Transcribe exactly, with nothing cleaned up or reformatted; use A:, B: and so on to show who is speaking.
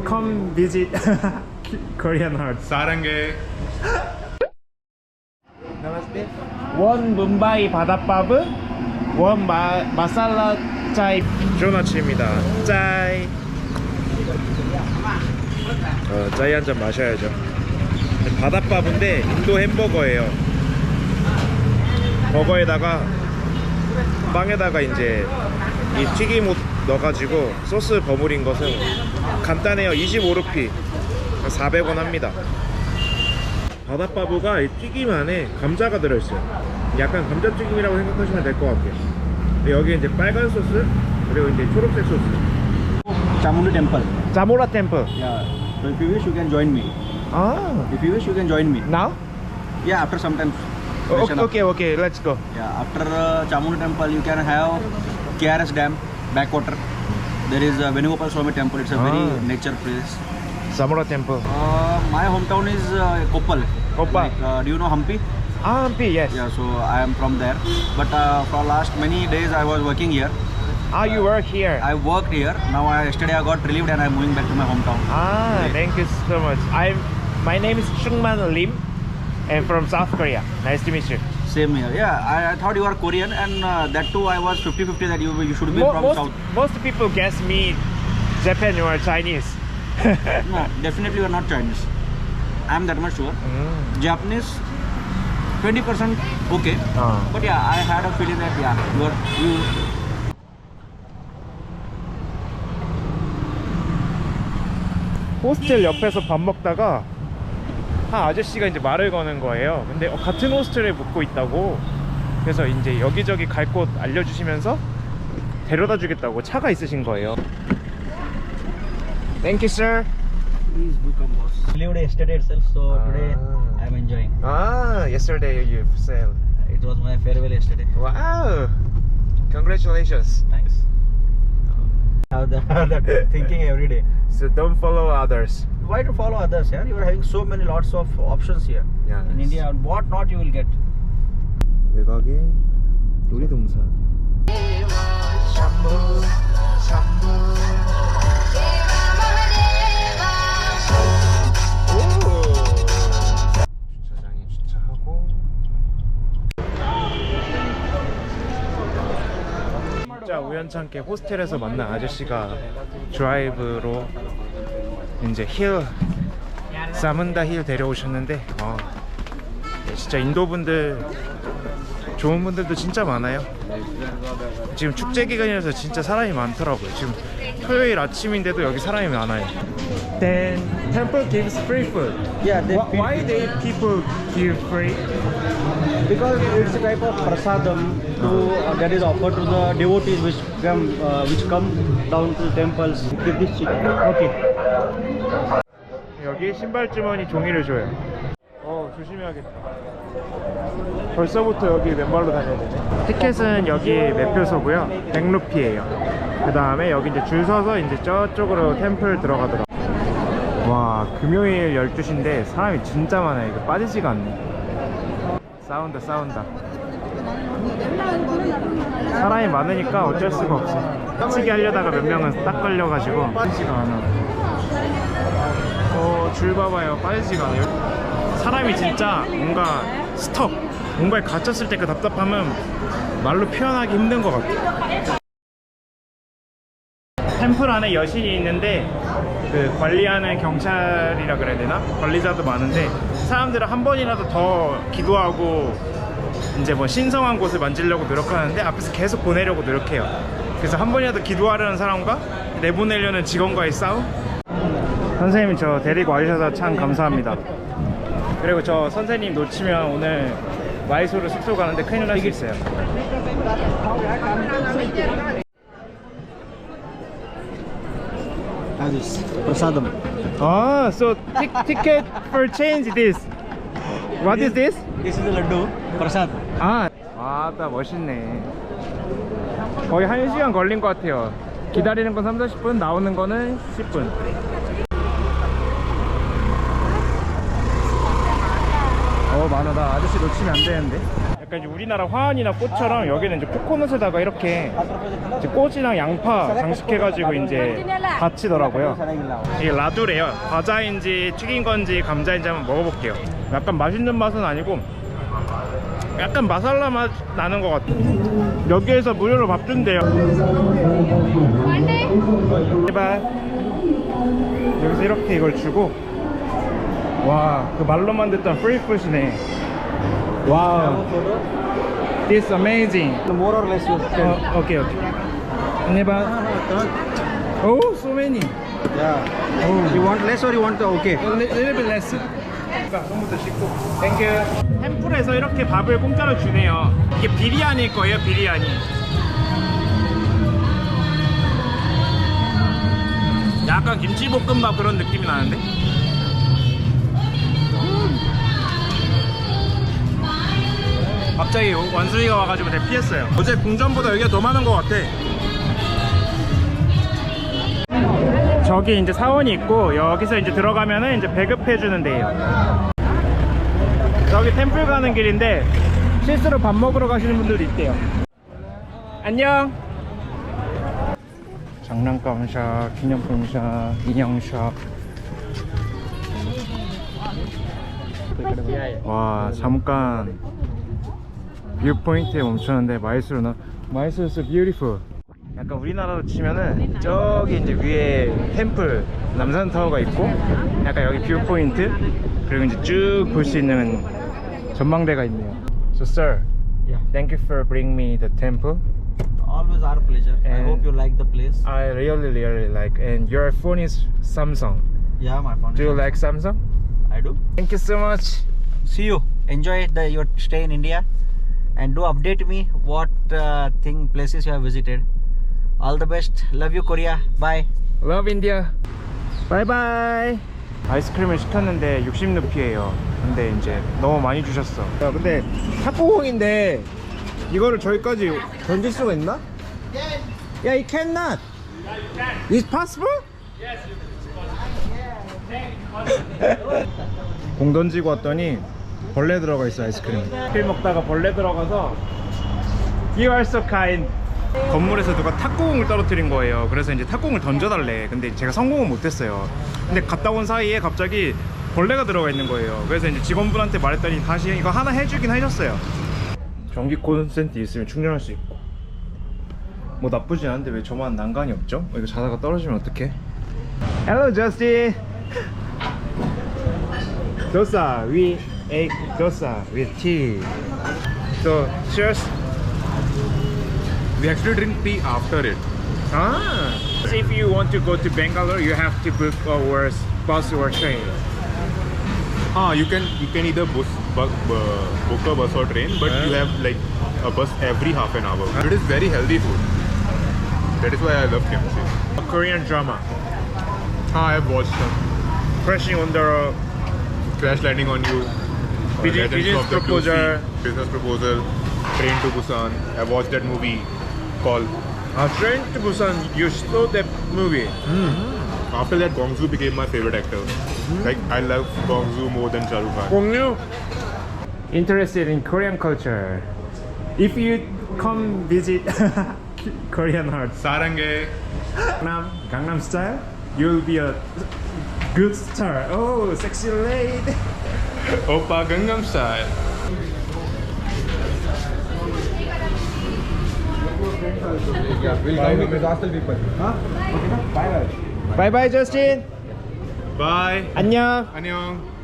A: come visit Korean heart.
B: 사랑해.
A: Namaste. 원 뭄바이 바닷밥은 원 마, 마살라 짜이. 좋은 아침입니다. 짜이. 어, 짜이 한 잔 마셔야죠. 바닷밥인데 인도 햄버거예요. 버거에다가 빵에다가 이제 이 튀김옷 넣어가지고 소스 버무린 것은 간단해요. 이십오 루피 사백 원 합니다. 바닷바보가 이 튀김 안에 감자가 들어있어요. 약간 감자튀김이라고 생각하시면 될 것 같아요. 여기 이제 빨간 소스 그리고 이제 초록색 소스.
C: Chamunda temple.
A: 자모라 템플.
C: Yeah. So if you wish, you can join me.
A: 아,
C: If you wish, you can join me.
A: now?
C: Yeah, after some time.
A: 오,
C: freshen up.
A: 오케이 오케이, let's go.
C: Yeah, after uh, Chamunda temple, you can have K R S Dam, backwater. There is uh, Venugopal Swami temple. It's a very
A: Ah.
C: nature place.
A: 자모라 템플.
C: Uh, my hometown is uh, Koppal.
A: Koppal.
C: Like, uh, do you know Hampi?
A: 아, 함피, yes.
C: Yeah, so I am from there. But uh, for last many days, I was working here.
A: Ah, you work here.
C: I worked here. Now, I, yesterday I got relieved and I'm moving back to my hometown.
A: Ah,
C: Yeah.
A: thank you so much. I'm. My name is Chungman Lim, and from South Korea. Nice to meet you.
C: Same here. Yeah, I, I thought you are Korean, and uh, that too I was fifty fifty that you you should be
A: Mo-
C: from
A: most
C: South.
A: most people guess me Japan or Chinese.
C: No, definitely you are not Chinese. I am that much sure.
A: 음.
C: Japanese, twenty percent okay.
A: 어.
C: But yeah, I had a feeling that yeah, you are you.
A: 호스텔 옆에서 밥 먹다가 한 아저씨가 이제 말을 거는 거예요. 근데 어, 같은 호스텔에 묵고 있다고. 그래서 이제 여기저기 갈 곳 알려주시면서 데려다 주겠다고 차가 있으신 거예요. Thank you, sir.
C: Please become boss. Lived yesterday itself, so today
A: Ah.
C: I am enjoying.
A: Ah, yesterday you sailed.
C: It was my farewell yesterday.
A: Wow! Congratulations.
C: Thanks. Have that, have that thinking every day.
A: So don't follow others.
C: Why to follow others? Yeah, you are having so many lots of options here.
A: Yeah,
C: In
A: it's-
C: India, what not you will get.
A: 외곽의 놀이동산. 주차장에 주차하고. 진짜 우연찮게 호스텔에서 만난 아저씨가 드라이브로 이제 힐 사문다 힐 데려오셨는데 어, 진짜 인도 분들 좋은 분들도 진짜 많아요. 지금 축제 기간이라서 진짜 사람이 많더라고요. 지금 토요일 아침인데도 여기 사람이 많아요. Then temple gives free food.
C: Yeah, they
A: Why, why they people give free?
C: because it's a type of prasadam to, uh, that is offered to the devotees which come uh, which come down to the temples. Give this chicken.
A: 오케이. 여기 신발 주머니 종이를 줘요. 어, 조심해야겠다. 벌써부터 여기 맨발로 다녀야 되네. 티켓은 여기 매표소고요. 백 루피예요. 그 다음에 여기 이제 줄 서서 이제 저쪽으로 템플 들어가더라고요. 와, 금요일 열두 시인데 사람이 진짜 많아요. 이거 빠지지가 않네. 싸운다 싸운다. 사람이 많으니까 어쩔 수가 없어. 빠지게 하려다가 몇 명은 딱 걸려가지고 빠지지가 않아. 어, 줄 봐봐요. 빠지지가 않아요. 사람이 진짜 뭔가 스톱, 뭔가에 갇혔을 때 그 답답함은 말로 표현하기 힘든 것 같아요. 템플 안에 여신이 있는데 그 관리하는 경찰이라 그래야 되나? 관리자도 많은데 사람들은 한 번이라도 더 기도하고 이제 뭐 신성한 곳을 만지려고 노력하는데 앞에서 계속 보내려고 노력해요. 그래서 한 번이라도 기도하려는 사람과 내보내려는 직원과의 싸움? 선생님 저 데리고 와주셔서 참 감사합니다. 그리고 저 선생님 놓치면 오늘 마이소로 숙소 가는데 큰일 날 수 있어요.
C: Have this prasadam.
A: Ah, so tic- ticket for change this. What is this?
C: This is the laddu prasad.
A: 아, 와따 멋있네. 거의 한 시간 걸린 것 같아요. 기다리는 건 삼, 사십 분, 나오는 거는 십 분. 어, 많아. 나 아저씨 놓치면 안 되는데. 약간 이제 우리나라 화환이나 꽃처럼 여기는 이제 코코넛에다가 이렇게 이제 꽃이랑 양파 장식해가지고 이제 받치더라고요. 이게 라두래요. 과자인지 튀긴 건지 감자인지 한번 먹어볼게요. 약간 맛있는 맛은 아니고 약간 마살라 맛 나는 것 같아요. 여기에서 무료로 밥 준대요. 제발. 여기서 이렇게 이걸 주고, 와, 그 말로만 듣던 프리푸시네. 와우. This amazing.
C: More or less you can.
A: 어, 오케이 오케이. 제발. 오, so many.
C: Yeah.
A: Oh.
C: You want less or you want okay?
A: A little bit less. 손부터 씻고. 땡큐. 템플에서 이렇게 밥을 공짜로 주네요. 이게 비리아니일 거예요, 비리아니. 약간 김치볶음밥 그런 느낌이 나는데? 갑자기 원숭이가 와가지고 대피했어요. 어제 궁전보다 여기가 더 많은 것 같아. 저기 이제 사원이 있고 여기서 이제 들어가면은 이제 배급해주는 데예요. 저기 템플 가는 길인데 실수로 밥 먹으러 가시는 분들도 있대요. 안녕. 장난감샵, 기념품샵, 인형샵. 와, 잠깐 뷰 포인트에 멈췄는데 마이스로나 마이스로 so beautiful. 약간 우리나라로 치면은 저기 이제 위에 템플 남산타워가 있고 약간 여기 뷰 포인트 그리고 이제 쭉 볼 수 있는 전망대가 있네요. So sir,
C: Yeah.
A: thank you for bringing me the temple.
C: Always our pleasure. I
A: And-
C: hope you like the place.
A: I really really like. And your phone is Samsung.
C: Yeah, my phone.
A: Do you like Samsung?
C: I do.
A: Thank you so much.
C: See you. Enjoy the your stay in India, and do update me what uh, thing places you have visited. All the best. Love you, Korea. Bye.
A: Love India. Bye bye. 아이스크림을 시켰는데 육십 루피예요. 근데 이제 너무 많이 주셨어. 야, 근데 탁구공인데 이거를 저기까지 던질 수가 있나? 야, it cannot. It's possible? 공 던지고 왔더니 벌레 들어가 있어. 아이스크림 아이스크림 먹다가 벌레 들어가서 You are so kind. 건물에서 누가 탁구공을 떨어뜨린 거예요. 그래서 이제 탁구공을 던져달래. 근데 제가 성공은 못했어요. 근데 갔다 온 사이에 갑자기 벌레가 들어가 있는 거예요. 그래서 이제 직원분한테 말했더니 다시 이거 하나 해주긴 해줬어요. 전기 콘센트 있으면 충전할 수 있고 뭐 나쁘지 않은데 왜 저만 난간이 없죠? 이거 자다가 떨어지면 어떡해? Hello Justin. dosa. We ate dosa with tea. So cheers.
B: We actually drink tea after it.
A: Ah. If you want to go to Bangalore, you have to book our bus or train.
B: Ah, you can you can either bus, bu, bu, book a bus or train, but you have like a bus every half an hour. It is very healthy food. That is why I love kimchi.
A: A Korean drama.
B: Ah, I have watched some.
A: Crashing on the
B: Crash Landing on You. uh,
A: Pigeon-
B: Legends
A: Pigeon's
B: of the Blue
A: Proposal.
B: Sea, Business Proposal. Train to Busan. I watched that movie called.
A: uh, Train to Busan. You saw that movie.
B: After that, Gong Zoo became my favorite actor. Like I love Gong Zoo more than Shah Rukh Khan.
A: Gongyu. Interested in Korean culture. If you come visit Korean heart,
B: Sarange.
A: Gangnam, Gangnam style, you'll be a good star. Oh, sexy lady.
B: Oppa Gangnam Style.
A: Bye bye, Justin.
B: Bye.
A: 안녕.
B: Annyeong.